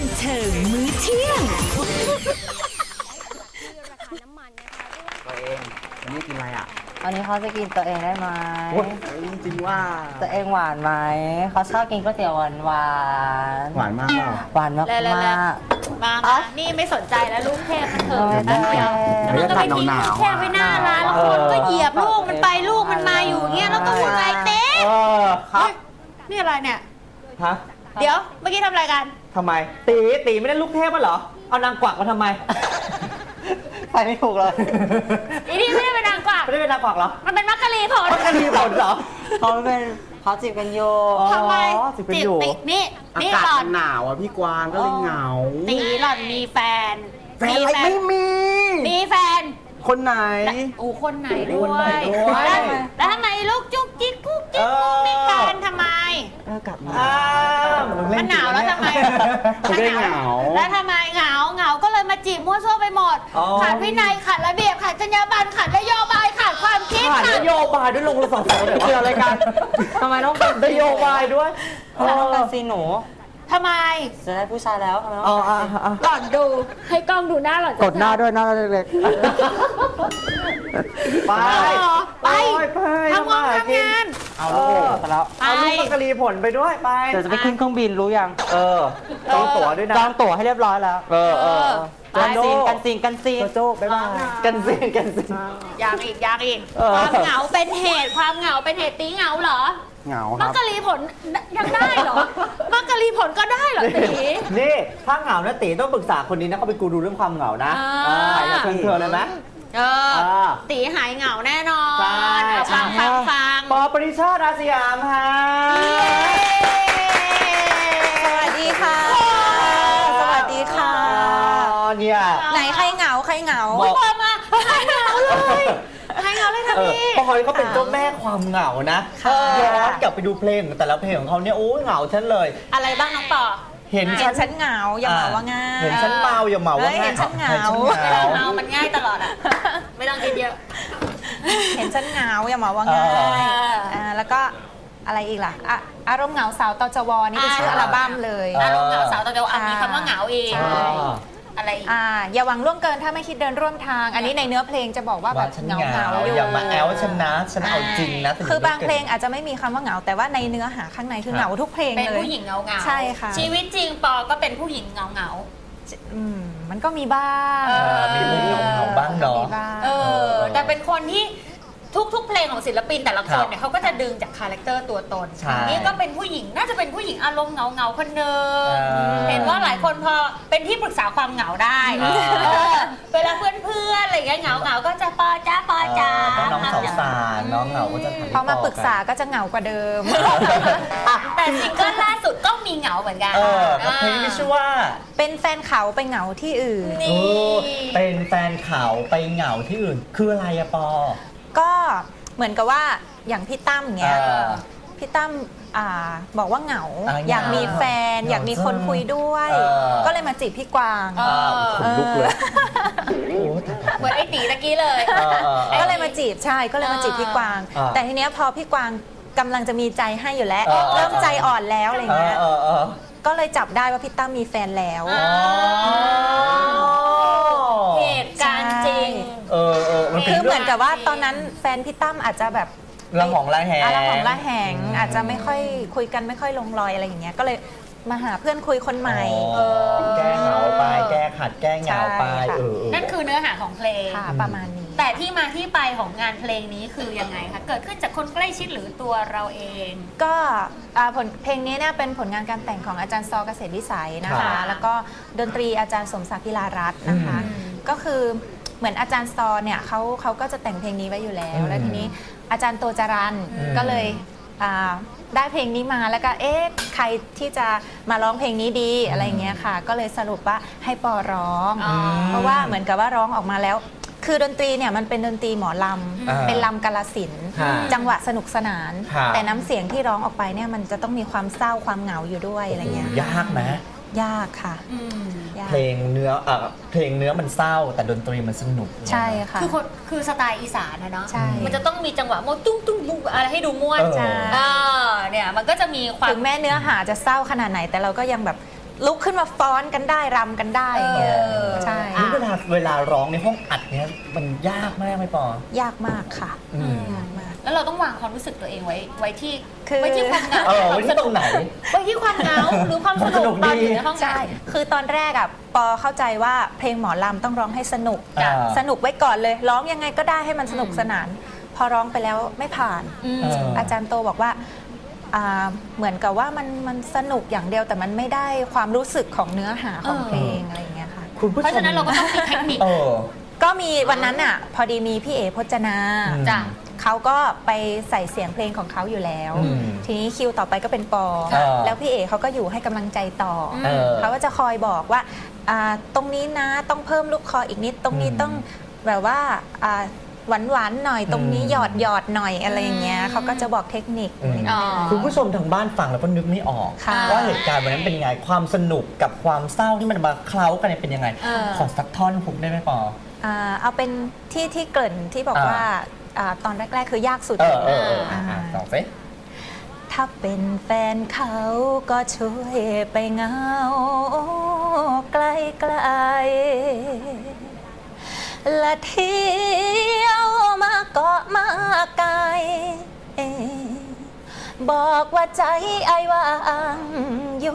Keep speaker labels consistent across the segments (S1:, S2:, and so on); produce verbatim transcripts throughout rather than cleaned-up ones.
S1: บันเทิงมื้อเที่ยง
S2: ตัวเองวันนี้กินอะไรอ่ะ
S3: วันนี้เขาจะกินตัวเองได้ไหม
S2: โอ้ยจริงว่า
S3: ตัวเองหวานไหมเขาชอบกินก๋วยเตี๋ยวหวานหวาน
S2: หวานมากเปล่า
S3: หวานมาก
S4: แล้ว
S3: มาก
S4: มามานี่ไม่สนใจแล้วลูกเทพมันเถอะ
S3: ไม่
S4: แป๊บเดียว
S2: เดี๋ยว
S4: มันก็ไปทิ้งลูกเทพไว้หน้าร้านแล้วคนก็เหยียบลูกมันไปลูกมันมาอยู่เงี้ยแล้วก็วุ่นวายเต้
S2: เออครับ
S4: นี่อะไรเนี่ย
S5: ฮะ
S4: เดี๋ยวเมื่อกี้ทำอะไรกัน
S5: ทำไม ตีตีไม่ได้ลูกเทพมั้เหรอ เอานางกวักมาทำไม ไปไม่ถูกเลย
S4: อีนี่ไม่ได้เป็นนางกวัก
S5: ไม่ได้เป็นนางกวักเหรอ
S4: มันเป็นมักกะลีผล
S5: มันก็มีผลเหรอ
S3: เขาเป็นเขาจีบกันอยู่
S5: อ๋อ
S4: ทำไม
S5: สิเป็นอยู่
S4: ติดนี่
S2: อา
S4: นี่
S2: กาศ
S4: หล่อ
S2: มัน นหนาวอ่ะพี่กวางก็เลยเหงา
S4: ตีหล่อนมีแฟน
S2: แฟนอะไรไม่มี
S4: มีแฟน
S2: คนไหน
S4: อูคนไหนด้
S5: คน
S4: ว
S5: ไหน
S4: ย
S5: ด้วย
S4: แล้วแล้วทำไมลูกจุกจิกกุ๊กจิ๊กกุ๊กกิ๊กกันทำไม
S2: อากาศหนาว
S5: อ้าวงเล่
S4: มันหนาวแล้วทำไม
S2: เขาได้เหงา
S4: แล้วทำไมเหงาเหงาก็เลยมาจีบมั่วซั่วไปหมด
S5: อ๋อ
S4: ขาดวินัยขาดระเบียบขาดจรรยาบรรณขาดนโยบายขาดความคิด
S5: ผ่าน
S4: ขาด
S5: นโยบายด้วยลงละสองสองเกี่ยวอะไรกัน
S3: ทำไมต้องเป็น
S5: นโยบายด้วย
S3: ทำไมต้องเป็นซีหนู
S4: ทำไม
S3: จะได้ผู้ชายแล้วทำไมต้อง
S5: อ๋อ
S3: เป็น
S5: อ่ะ
S3: ซี
S5: อ่ะ
S4: หล่อนดูให้กล้องดูหน้าหล่อน
S2: กดหน้าด้วยหน้าเล็ก
S5: ไป
S4: ไป
S5: ไป
S4: ทำงานทำงาน
S3: เอาลูกไปแล้ว
S5: เอาลูกมักกะลีผลไปด้วยไป
S3: เดี๋ยวจะไปขึ้นเครื่องบินรู้ยัง
S5: เออจองตั๋วด้วยนะ
S3: จองตั๋วให้เรียบร้อยแล้ว
S5: เออเออ
S3: กันซีนกันซีนกันซีน
S5: โจโจ้บ๊ายบายกันซีนกันซีน
S4: อยากอีกอยากอีก
S5: เออ
S4: ความเหงาเป็นเหตุความเหงาเป็นเหตุตีเหงาเหรอ
S2: ๆเหงาค
S4: มั
S2: รั
S4: ก
S2: บ
S4: กะลีผลยังได้เหรอ มักกะลีผลก็ได้เหรอตี
S5: นี่ถ้าเหงานะตีต้องปรึกษาคนนี้นะเขาเป็นกูรูเรื่องความเหงานะ
S4: อ่า
S5: อ่าอยากเชิญเธอเลยไหม
S4: เออ
S5: อ่า
S4: ตีหายเหงาแน่นอน
S5: ใช่
S4: เอาฟังฟังฟัง
S5: ปอปริชาติอาสยามฮะ
S6: สวัสดีค่ะ สวัสดีค่ะ
S5: อ๋อเนี่ย
S6: ไหนใครเหงาใครเหงา
S5: บอก
S4: พอมาหายเหงาเลยหายเหงาเลยค่ะ
S5: เออ
S4: พี่
S5: ปอยเขาเป็นเจ้าแม่ความเหงานะ
S6: ค่ะ
S5: ย้อนกลับไปดูเพลงของแต่ละเพลงของเขาเนี่ยโอ้ยเหงาฉันเลย
S4: อะไรบ้างน้องปอ
S5: เห็น
S6: เห็
S5: ฉั
S6: น
S5: น
S6: ฉันเหงาอย่าเหมาว่าง่าย
S5: เห็นฉันเมาอย่าเหมาว่า
S6: เฮ้ยเห็นฉันเหงา
S5: ห็นฉันเหงา
S4: เมามันง่ายตลอดอ่ะ ไม่ต้องคิดเยอะ
S6: เห็นฉันเหงาอย่าเหมาว่าง่าย
S4: เอออ่
S6: าแล้วก็อะไรอีกล่ะอ่ะอารมณ์เหงาสาวตจวนี่เป็นชื่ออัลบั้มเลย
S4: อารมณ์เหงาสาวตอนเดียวอ่ะมีคำว่าเหงาอีก
S6: ใช่
S4: อะไรอีก
S6: อ่าอย่าหวังล่วงเกินถ้าไม่คิดเดินร่วมทาง อันนี้ในเนื้อเพลงจะบอกว่าแบ
S5: ว่า
S6: บ
S5: ฉัน
S6: เหงา
S5: เหงา
S6: เหงาอยู่
S5: อย่ามาแอลฉันนะฉันเอาจริงนะ
S6: คือบางเพลงอาจจะไม่มีคำว่าเหงา แต่ว่าในเนื้อหาข้างในคือเหงาทุกเพลง
S4: เป็น
S6: เลย
S4: ผู้หญิงเหงาเหงา
S6: ใช่ค่ะ
S4: ชีวิตจริงปอก็เป็นผู้หญิงเหงาเหงา
S6: อืมมันก็มีบ้าง
S4: เออ
S5: มีมุมเหงาๆบ้างเนาะ
S6: มีบ้าง
S4: เออ แต่เป็นคนที่ทุกๆ เพลงของศิลปินแต่ละค
S5: ครั
S4: น
S5: บ
S4: เนี่ยเขาก็จะดึงจากคาแรคเตอร์ตัวตน
S5: ใช่
S4: นี่ก็เป็นผู้หญิงน่าจะเป็นผู้หญิงอารมณ์เหงาเหงาๆคนหนึ่ง
S5: เออ
S4: เห็นว่าหลายคนพอเป็นที่ปรึกษาความเหงาได้
S5: เออ
S4: เออเวลาเพื่อนๆอะไรอย่างเงี้ยเหงาเหงาๆก็จะปอจ้าปอจ้า
S5: เออน้องสาวสารน้องเหงาก็จะถ
S6: พอมาปรึกษาก็จะเหงากว่าเดิม
S4: แต่ซิงเกิลล่าสุดก็มีเหงาเหมือนกัน
S5: เออกับเพลงที่ชื่อว่า
S6: เป็นแฟนเขาไปเหงาที่อื่น
S5: เอ
S4: นี่
S5: อเป็นแฟนเขาไปเหงาที่อื่น คืออะไรอะปอ
S6: ก็เหมือนกับว่าอย่างพี่ตั้มเงี้ย
S5: เออ
S6: พี่ตั้มอ่าบอกว่าเหงา
S5: อ่า
S6: อยากมีแฟน
S5: เหงา
S6: อยากมีคนคุยด้วย
S5: เออ
S6: ก็เลยมาจีบพี่กวาง
S4: เออ
S5: ขนลุกเลยโอ้ตาย
S4: เหมือนไอ้ตีตะกี้เลย
S5: เออเออเออ
S6: ก็เลยมาจีบใช่ก็เลยมาจีบพี่กวาง
S5: เออ
S6: แต่ทีเนี้ยพอพี่กวางกำลังจะมีใจให้อยู่แล้ว
S5: เออ
S6: เริ่มใจอ่อนแล้วอะไร
S5: เออ
S6: เงี้ย
S5: เออเออ
S6: ก็เลยจับได้ว่าพี่ตั้มมีแฟนแล้ว
S4: อ๋อ เหตุการณ์จริง
S5: เออเออมันเป็น
S6: คือเห
S5: เรื่
S6: มื
S5: อ
S6: อง นกับว่าตอนนั้นแฟนพี่ตั้มอาจจะแบบ
S5: ระหองระแหง
S6: อะไรของละแหงอาจจะไม่ค่อยคุยกันไม่ค่อยลงรอยอะไรอย่างเงี้ยก็เลยมาหาเพื่อนคุยคนใหม่
S5: อ๋อแก้เหงาไป แก้ขัดแก้เหงาไป
S6: ใช่ค่ะ
S5: เออเออ
S4: นั่นคือเนื้อหาของเพลง
S6: ค่ะประมาณนี้
S4: แต่ที่มาที่ไปของงานเพลงนี้คือยังไงคะ เกิดขึ้นจากคนใกล้ชิดหรือตัวเราเอง
S6: ก็อ่าผลเพลงนี้เนี่ยเป็นผลงานการแต่งของอาจารย์ซอเกษตรวิสัยนะ
S4: ครั
S6: คะ
S4: บ
S6: แล้วก็ดนตรีอาจารย์สมศักดิ์พิลารัตน์นะคะ
S4: อืม
S6: ก็คือเหมือนอาจารย์ซอเนี่ยเขาเขาก็จะแต่งเพลงนี้ไว้อยู่แล้ว แล้วทีนี้อาจารย์โตจรัน
S5: อืม
S6: ก็เลยอ่าได้เพลงนี้มาแล้วก็เอ๊ะใครที่จะมาร้องเพลงนี้ดีอะไรอย่างเงี้ยค่ะ ก็เลยสรุปว่าให้ปอร้อง
S4: อ๋อ
S6: เพราะว่าเหมือนกับว่าร้องออกมาแล้ว คือดนตรีเนี่ยมันเป็นดนตรีหมอล
S5: อ่า
S6: ำเป็นลำกาลสินธุ์
S5: ค่ะ
S6: จังหวะสนุกสนาน
S5: ค่ะ
S6: แต่น้ำเสียงที่ร้องออกไปเนี่ยมันจะต้องมีความเศร้าความเหงาอยู่ด้วยอะไรเงี้ย
S5: ยากไหม
S6: ยากค่ะ
S4: อืม
S6: ยาก
S5: เพลงเนื้อเอ่อเพลงเนื้อมันเศร้า แต่ดนตรีมันสนุก
S6: ใช่ค่ะ
S4: คือคนคือสไตล์อีสานนะเนาะ
S6: ใช่
S4: มันจะต้องมีจังหวะโมตุ้งตุ้งตุ้งอะไรให้ดูม่วน
S5: เออ
S6: ใช่
S4: เออเนี่ยมันก็จะมีความ
S6: ถึงแม้เนื้อหาจะเศร้าขนาดไหน แต่เราก็ยังแบบลุกขึ้นมาฟ้อนกันได้รำกันได้อย่างเงี้ย
S4: เออ
S6: ใช่
S5: นี่เวลาเวลาร้องในห้องอัดเนี่ยมันยากมากไหมปอ
S6: ยากมากค่ะ
S5: อืม
S6: ยากมาก
S4: แล้วเราต้องวางความรู้สึกตัวเองไว้ไว้ที่
S6: คือ
S4: ไว้ที่ความเหงา
S5: เออไว้ที่ตรงไหน
S4: ไว้ที่ความเหงาหรือความส
S5: สนุ
S4: นุก
S5: ก
S4: ตอน
S5: ดี
S4: อยู่ในห้อง
S6: ใช่
S4: อัด
S6: คือตอนแรกอ่ะปอเข้าใจว่าเพลงหมอลำต้องร้องให้สนุก
S5: อ่า
S6: สนุกไว้ก่อนเลย ร้องยังไงก็ได้ให้มันสนุกสนาน พอร้องไปแล้วไม่ผ่าน
S4: อืม
S5: เออ
S6: อาจารย์โตบอกว่าอ่าเหมือนกับว่ามันมันสนุกอย่างเดียวแต่มันไม่ได้ความรู้สึกของเนื้อหาของ
S4: เออ
S6: เพลงอะไรอย่างเงี้ยค่ะ
S5: คุณผู้ชม
S4: เพราะฉะนั้นเราก็ต้องมีเทคนิค
S5: เออ
S6: ก็มีวันนั้นอ่ะพอดีมีพี่เอพจนา
S5: อืม
S4: จ้ะ
S6: เขาก็ไปใส่เสียงเพลงของเขาอยู่แล้ว
S5: อืม
S6: ทีนี้คิวต่อไปก็เป็นปอ
S5: เออ
S6: แล้วพี่เอเขาก็อยู่ให้กำลังใจต่ออ
S5: เออ
S6: เขาก็จะคอยบอกว่าอ่าตรงนี้นะต้องเพิ่มลูกคออีกนิด ตรงนี้
S5: อืม
S6: ต้องแบบว่าอ่าหวานหวานๆหน่อยตรงนี้
S5: อืม
S6: หยอดหยอดๆหน่อยอะไรอย่างเงี้ยเขาก็จะบอกเทคนิค
S5: อืม
S4: อ๋อ
S5: คุณผู้ชมทางบ้านฟังแล้วก็นึกไม่ออก
S6: ค่ะ
S5: ว่าเหตุการณ์วันนั้นเป็นยังไงความสนุกกับความเศร้าที่มันมาเคล้ากันเนี่ยเป็นยังไง
S4: เออ
S5: ขอสักท่อนพุกได้ไหมปอ
S6: อ่าเอาเป็นที่ที่เกริ่นที่บอก
S5: อ่า
S6: ว่าอ่าตอนแรก ๆ คือยากสุด
S5: เออเออเออ
S6: อ่า
S5: อ่ะต่อสิ
S6: ถ้าเป็นแฟนเขาก็ช่วยไปเหงาไกลไกลๆและเที่ยวมาเกาะมาไกลบอกว่าใจไอ้ว่างอยู่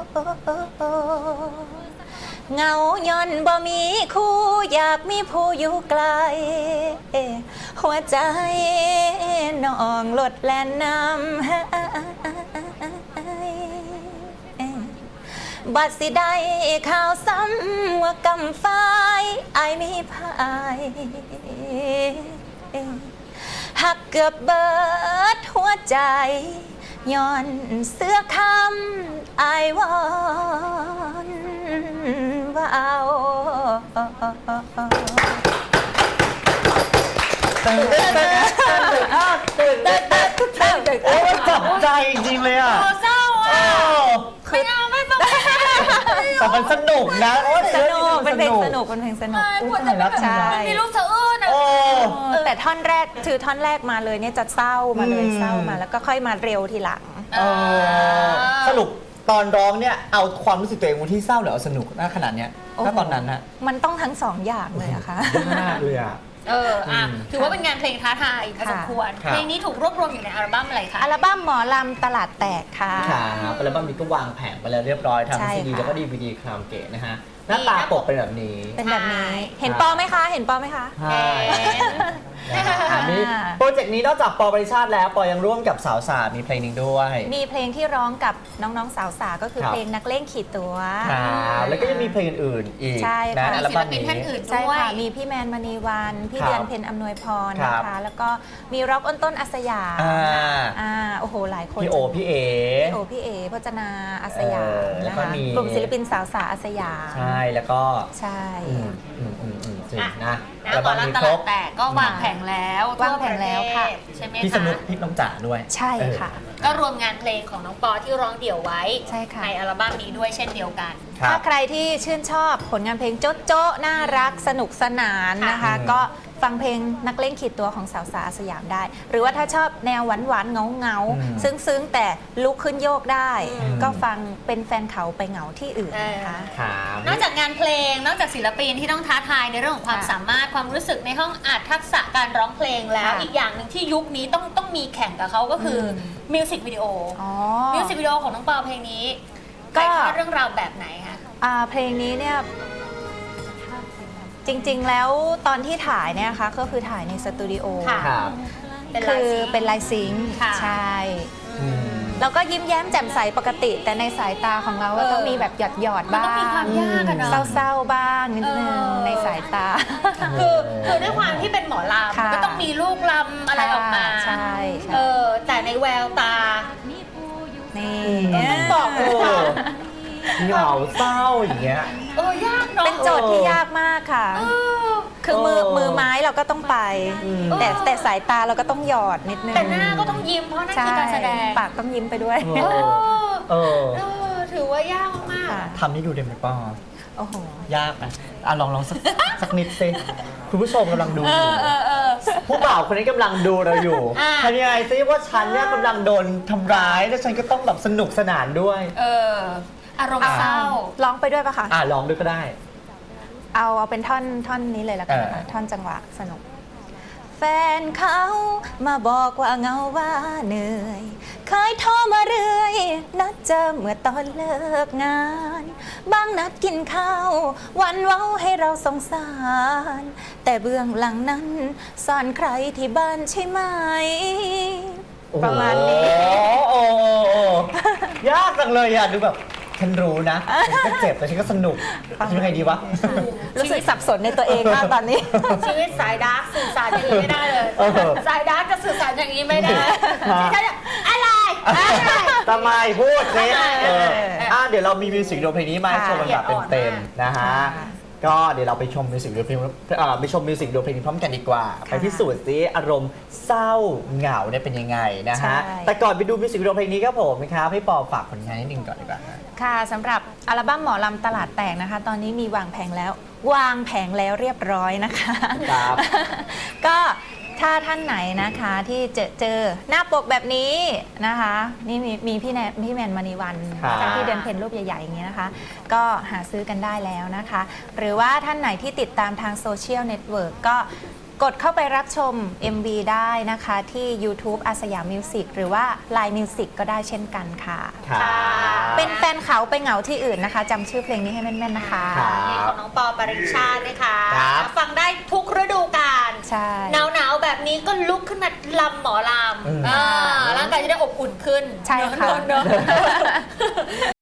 S6: เหงาย้อนบ่มีคู่อยากมีผู้อยู่ไกล หัวใจน้องลดแล่นน้ำบัดสิได้ข่าวซ้ำว่ากำฟ้ายอายมีพายหักเกือบเบิดหัวใจย้อนเสื้อคำอายวอนว่าเอา
S5: ตื่นเต้นตื่นเต้นตื่นเต้นตื่นเต้นโอ้ยจับใจจริงๆเลยอ่ะ
S4: โอ้เศร้า
S5: เอ
S4: อ่ะ
S5: อ
S4: ไม่เอาไม่ฟัง
S5: แต่มันสนุกนะโอ้ย
S6: สนุกเป็นเพลงสนุ
S5: ก
S6: กเป็นเพลงสนุก
S4: หัวใจมัน
S6: ใช่
S4: มันมีลูกสะอื้นอ่ะ
S5: โอ้
S6: เออแต่ท่อนแรกคือท่อนแรกมาเลยเนี่ยจะเศร้ามาเลย
S5: อืม
S6: เศร้ามาแล้วก็ค่อยมาเร็วทีหลัง
S5: เออสรุปตอนร้องเนี่ยเอาความรู้สึกตัวเองวันที่เศร้าหรือเอาสนุกน่าขนาดเนี้ย
S6: โอ้โห
S5: ถ้าตอนนั้นนะ
S6: มันต้องทั้งสองอย่างเลยอะค่ะ
S5: มากเลยอ่ะ
S4: เอออ่ะ
S5: อืม
S4: ถือว่าเป็นงานเพลงท้าทายพอสมควร
S5: ครับ
S4: เพลงนี้ถูกรวบรวมอยู่ในอัลบั้มอะไรคะ
S6: อัลบั้มหมอลำตลาดแตกค่ะ
S5: ครับอัลบั้มนี้ก็วางแผงไปแล้วเรียบร้อยทำ
S6: ใช่
S5: ซีดี
S6: ค่ะ
S5: แล้วก็ดีวีดีคราวเกตนะฮะหน้าตาปกเป็นแบบนี้
S6: เป็นแบบนี้
S4: ใช่
S6: เห็นปอไหมคะ เห็นปอไหมคะ
S5: ใช่นะฮะอันนี้โปรเจกต์นี้นอกจากปอบริชาติแล้วปอยังร่วมกับสาวสามีเพลงหนึ่งด้วย
S6: มีเพลงที่ร้องกับน้องๆสาวสาก็คือ
S5: ครับ
S6: เพลงนักเล่นขีดตัว
S5: ครับแล้วก็ยังมีเพลงอื่นๆอีก
S6: ใช่
S5: นะ
S6: ค่ะ
S5: อั
S4: มี
S5: ล
S4: ศิล
S5: บั้ม
S4: ปิน
S5: นี้
S4: ท่านอื่น
S6: ใช่
S4: ด้วย
S6: ค่ะ มีพี่แมนมณีวัน พี่
S5: ครับ
S6: เดือนเพ็ญอำนวยพร
S5: ครั
S6: นะ
S5: บ
S6: คะ แล้วก็มีร็อกอ้นต้นอัสยาม
S5: อ่า
S6: อ่าโอ้โห หลายคน
S5: พี่โอพี่เอ
S6: พี่โอพี่เอพจนาอัสยาม
S5: เออแล้ว
S6: นะ
S5: ก็
S6: คะ
S5: มี
S6: กลุ่มศิลปินสาวสาอัสยาม
S5: ใช่แล้วก็
S6: ใช่
S5: อืมอืมอืมอืมจริง
S4: อ่ะ
S5: นะ
S4: นะหมอลำตลาดแตกก็วางแผงแล้ว
S6: วางแผงแล้วค่ะ
S4: ทั่วประเทศใช่ไหม
S5: พี่ส
S4: คะ
S5: นุกพี่น้องจ๋าด้วย
S6: ใช่ค่ะ
S4: ก็รวมงานเพลงของน้องปอที่ร้องเดี่ยวไว้
S6: ใช่ค่ะ
S4: ในอัลบั้มนี้ด้วยเช่นเดียวกัน
S5: ครั
S6: ถ้า
S5: บ
S6: ใครที่ชื่นชอบผลงานเพลงโจ๊ะโจ๊ะน่ารักสนุกสนานนะคะ
S5: อืม
S6: ก็ฟังเพลงนักเล่นขีดตัวของสาวสาสยามได้ หรือว่าถ้าชอบแนวหวานหวานๆเงาเงาๆ
S5: อืม
S6: ซึ้งซึ้งๆ แต่ลุกขึ้นโยกได้
S5: อืม
S6: ก็ฟังเป็นแฟนเขาไปเหงาที่อื่นนะคะ
S5: ครับ
S4: นอกจากงานเพลง นอกจากศิลปินที่ต้องท้าทายในเรื่องของความ
S6: ค่ะ
S4: สามารถความรู้สึกในห้องอัดทักษะการร้องเพลงแล้ว
S6: ค่ะ
S4: อีกอย่างหนึ่งที่ยุคนี้ต้องต้องมีแข่งกับเขาก็คืออ
S6: ม
S4: มิวสิกวิดีโอ
S6: อ๋อ
S4: มิวสิกวิดีโอของน้องปอเพลงนี้
S6: ก็
S4: ถ่ายทอดเรื่องราวแบบไหนคะ
S6: อ่าเพลงนี้เนี่ยจริงๆแล้วตอนที่ถ่ายเนี่ยนะคะก็คือถ่ายในสตูดิโอ
S4: ค่ะ
S5: ครับ
S4: เป็นลา
S6: คื
S4: ย
S6: อ
S4: ซิงค์
S6: เป็นลายซิงค์
S4: ค่ะ
S6: ใช่
S5: อืม
S6: เราก็ยิ้มแย้มแจ่มใสปกติ แต่ในสายตาของเราก็
S4: เออ
S6: ต้องมีแบบหยอดหยอดๆ
S4: มัน
S6: บ้า
S4: ต้องมีความ
S6: ง
S4: ยากอะเนาะ
S6: เศร้าๆบ้างนิดนึง
S4: เออ
S6: ในสายตา
S4: คือคือด้วยความที่เป็นหมอล
S6: ค่ะ
S4: ำก็ต้องมีลูกลำอะไรออกมา
S6: ใช่ใช่
S4: เออแต่ในแววตา
S6: นี่
S4: ต้องบอก
S5: เออเหงาเศร้าอย่างเงี้ย
S4: เออยากเนาะ
S6: เป็นโจทย์ที่ยากมากค่ะ
S4: เออ
S6: คือมือ
S5: เออ
S6: มือไม้เราก็ต้องไป
S5: อืม
S6: แต่แต่สายตาเราก็ต้องหยอดนิดนึง
S4: แต่หน้าก็ต้องยิ้มเพราะนั่น
S6: ใช่
S4: คือการแสดง
S6: ปากต้องยิ้มไปด้วย
S5: เอ
S4: เอ
S5: อ
S4: อ
S5: เออ
S4: เออถือว่ายากมาก
S6: ค่ะ
S5: ทำให้ดูได้ไหมป้อ
S6: โอ้โห
S5: ยากนะอ่ะลองลองสัก สักนิดสิคุณผู้ชมกำลังดู
S4: เอ
S5: อยู่
S4: อเออเออ
S5: ผู้บ่าวคนนี้กำลังดูเราอยู่
S4: อ่ะ
S5: ทำยังไงซิว่าฉันเนี่ยกำลังโดนทำร้ายแล้วฉันก็ต้องแบบสนุกสนานด้วย
S4: เอออารมณ์เศร้า
S6: ร้องไปด้วยปะคะ
S5: อ่ะลองดูก็ได้
S6: เอาเอาเป็นท่อนท่อนนี้เลยละกันนะคะ
S5: เออ
S6: ท่อนจังหวะสนุก แฟนเขามาบอกว่าเหงาว่าเหนื่อย เคยโทรมาเรื่อย นัดเจอเมื่อตอนเลิกงาน บางนัดกินข้าว วันเว้าให้เราสงสาร แต่เบื้องหลังนั้นซ่อนใครที่บ้านใช่ไหม ประมาณนี้
S5: โอ้โหโอ้โหยากจังเลยอ่ะ ดูแบบ ฉันรู้นะฉันก็เจ็บแต่ฉันก็สนุกทำยังไงดีวะ
S6: รู้สึกสับสนในตัวเองมากตอนนี้
S4: ชีวิตสายดาร์กสื่อสารอย่างนี้ไม่ได้เลย
S5: เออ
S4: สายดาร์กจะสื่อสารอย่างนี้ไม่ได้ที่ฉันจะอะไรอะไร
S5: ทำไมพูดสิ
S4: เออ
S5: เออ
S4: เออ
S5: อ่ะเดี๋ยวเรามีมิวสิกวิดีโอเพลงนี้มาให้ชมกันแบบเต็มๆนะฮะ
S6: ค่ะ
S5: ก็เดี๋ยวเราไปชมมิวสิกวิดีโอเพลงเอ่อไปชมมิวสิกวิดีโอเพลงนี้พร้อมกันดีกว่า ไปพิสูจน์ซิอารมณ์เศร้าเหงาเนี่ยเป็นยังไงนะฮะ
S6: ใช่
S5: แต่ก่อนไปดูมิวสิกวิดีโอเพลงนี้ครับผมนะครับให้ปอฝากผลงานนิดนึงก่อนดีกว่าฮะ
S6: ค่ะสำหรับอัลบั้มหมอลำตลาดแตกนะคะ ตอนนี้มีวางแผงแล้ว วางแผงแล้วเรียบร้อยนะคะ
S5: ครับ
S6: ก็ถ้าท่านไหนนะคะที่เจอเจอหน้าปกแบบนี้นะคะ นี่มีมีพี่แนพี่แมนมณีวัน
S5: ครับ
S6: นะคะที่เดินเพนรูปใหญ่ๆอย่างนี้นะคะ ก็หาซื้อกันได้แล้วนะคะ หรือว่าท่านไหนที่ติดตามทางโซเชียลเน็ตเวิร์กก็กดเข้าไปรับชม เอ็ม วี ได้นะคะที่ YouTube อาสยามมิวสิกหรือว่า Line Music ก็ได้เช่นกันค่ะ
S5: ครับ
S6: เป็นแฟนเขาไปเหงาที่อื่นนะคะจำชื่อเพลงนี้ให้แม่นๆนะคะ
S5: ครับ
S4: นี่ของน้องปอปริชาตินะคะ
S5: ครับ
S4: ฟังได้ทุกฤดูกาล
S6: ใช่
S4: หนาวหนาวๆแบบนี้ก็ลุกขึ้นมาลำหมอล
S5: อืม
S4: ำอ่าร่างกายจะได้อบอุ่นขึ้น
S6: ใช่ค่ะ
S4: เนอะเนอะ